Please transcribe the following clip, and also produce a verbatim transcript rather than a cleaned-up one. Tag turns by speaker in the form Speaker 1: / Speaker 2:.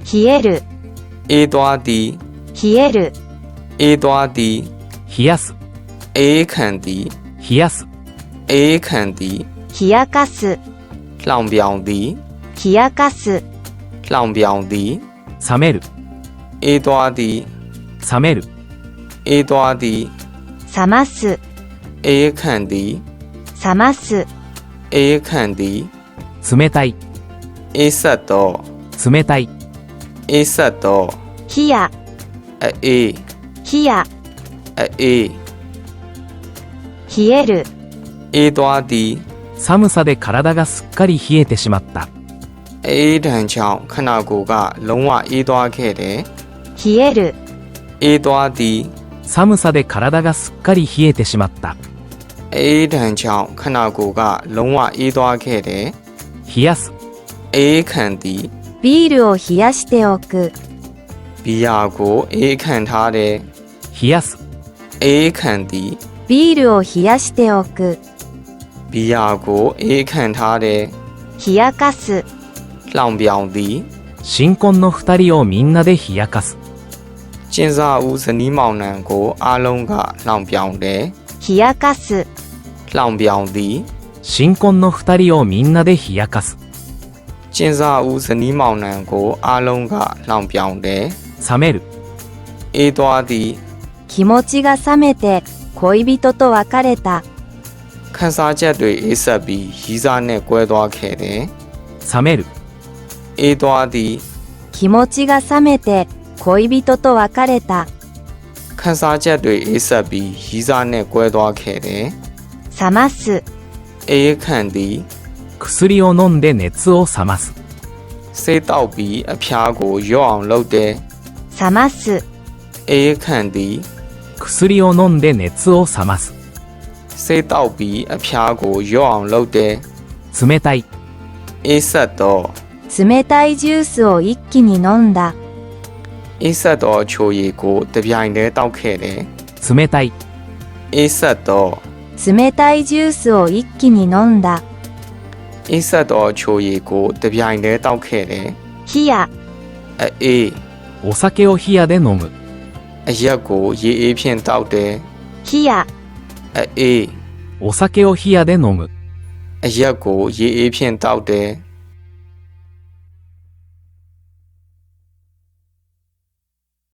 Speaker 1: 冷える。
Speaker 2: အေးသွားသည်。
Speaker 1: 冷える。
Speaker 2: အေးသွားသည်。
Speaker 3: 冷やす。
Speaker 2: အေးခံသည်。
Speaker 3: 冷やす。
Speaker 2: အေးခံသည်。
Speaker 1: 冷やかす。
Speaker 2: လှောင်ပြောင်သည်。
Speaker 1: 冷やかす。
Speaker 2: လှောင်ပြောင်သည်。
Speaker 3: 冷める。
Speaker 2: အေးသွားသည်。
Speaker 3: 冷める。
Speaker 2: အေးသွားသည်。
Speaker 1: 冷ます。
Speaker 2: အေးခံသည်。
Speaker 1: 冷ます。
Speaker 2: အေးခံသည်。
Speaker 3: 冷たい。
Speaker 2: အေးဆက်သော。
Speaker 3: 冷たい。
Speaker 2: အေးဆက်သော。
Speaker 1: 冷や。
Speaker 2: အေး。
Speaker 1: 冷や。
Speaker 2: အေး。
Speaker 1: 冷える。
Speaker 2: အေးသွားသည်。
Speaker 3: 寒さで体がすっかり冷えてしまった。
Speaker 2: အေးဒဏ်ကြောင့်ခန္ဓာကိုယ်ကလုံးဝအေးသွားခဲ့တယ်
Speaker 1: 冷える。
Speaker 2: အေးသွားသည်。
Speaker 3: 寒さで体がすっかり冷えてしまった。
Speaker 2: အေးဒဏ်ကြောင့်ခန္ဓာကိုယ်ကလုံးဝအေးသွားခဲ့တယ်
Speaker 3: 冷やす。
Speaker 2: အေးခံသည်。
Speaker 1: ビールを冷やしておく。
Speaker 2: ဘီယာကိုအေးခံထားတယ်
Speaker 3: 冷やす。
Speaker 2: အေးခံသည်。
Speaker 1: ビールを冷やしておく。
Speaker 2: ဘီယာကိုအေးခံထားတယ်
Speaker 1: 冷やかす。
Speaker 2: လှောင်ပြောင်သည်。
Speaker 3: 新婚の二人をみんなで冷やかす。
Speaker 2: ကျင်းစာဦးဇနီးမောင်နှံကိုအားလုံးကလှောင်ပြောင်တယ်
Speaker 1: 冷やかす。
Speaker 2: လှောင်ပြောင်သည်。
Speaker 3: 新婚の二人をみんなで冷やかす。
Speaker 2: ကျင်းစာဦးဇနီးမောင်နှံကိုအားလုံးကလှောင်ပြောင်တယ်
Speaker 3: 冷める。
Speaker 2: အေးသွားသည်。
Speaker 1: 気持ちが冷めて恋人と別れた。
Speaker 2: ခံစားချက်တွေအေးဆက်ပြီးရီးစားနဲ့ကွဲသွားခဲ့တယ်
Speaker 3: 冷める。
Speaker 2: အေးသွားသည်。
Speaker 1: 気持ちが冷めて恋人と別れた。
Speaker 2: ခံစားချက်တွေအေးဆက်ပြီးရီးစားနဲ့ကွဲသွားခဲ့တယ်
Speaker 1: 冷ます。
Speaker 2: အေးခံသည်。
Speaker 3: 薬を飲んで熱を冷ます。
Speaker 2: ဆေးတောက်ပြီးအဖျားကိုလျော့အောင်လုပ်တယ်
Speaker 1: 冷ます。
Speaker 2: အေးခံသည်。
Speaker 3: 薬を飲んで熱を冷ます。
Speaker 2: ဆေးတောက်ပြီးအဖျားကိုလျော့အောင်လုပ်တယ်
Speaker 3: 冷たい。
Speaker 2: အေးဆက်သော。
Speaker 1: 冷たいジュースを一気に飲んだ。
Speaker 2: အေးဆက်သောချိုရည်ကိုတပြိုင်တည်းတောက်ခဲ့တယ်
Speaker 3: 冷たい。
Speaker 2: အေးဆက်သော。
Speaker 1: 冷たいジュースを一気に飲んだ。
Speaker 2: အေးဆက်သောချိုရည်ကိုတပြိုင်တည်းတောက်ခဲ့တယ်
Speaker 1: 冷や。
Speaker 2: အေး。
Speaker 3: お酒を冷やで飲む。
Speaker 2: အရက်ကိုရေအေးဖြင့်တောက်တယ်
Speaker 1: 冷や。
Speaker 2: အေး。
Speaker 3: お酒を冷やで飲む。
Speaker 2: အရက်ကိုရေအေးဖြင့်တောက်တယ်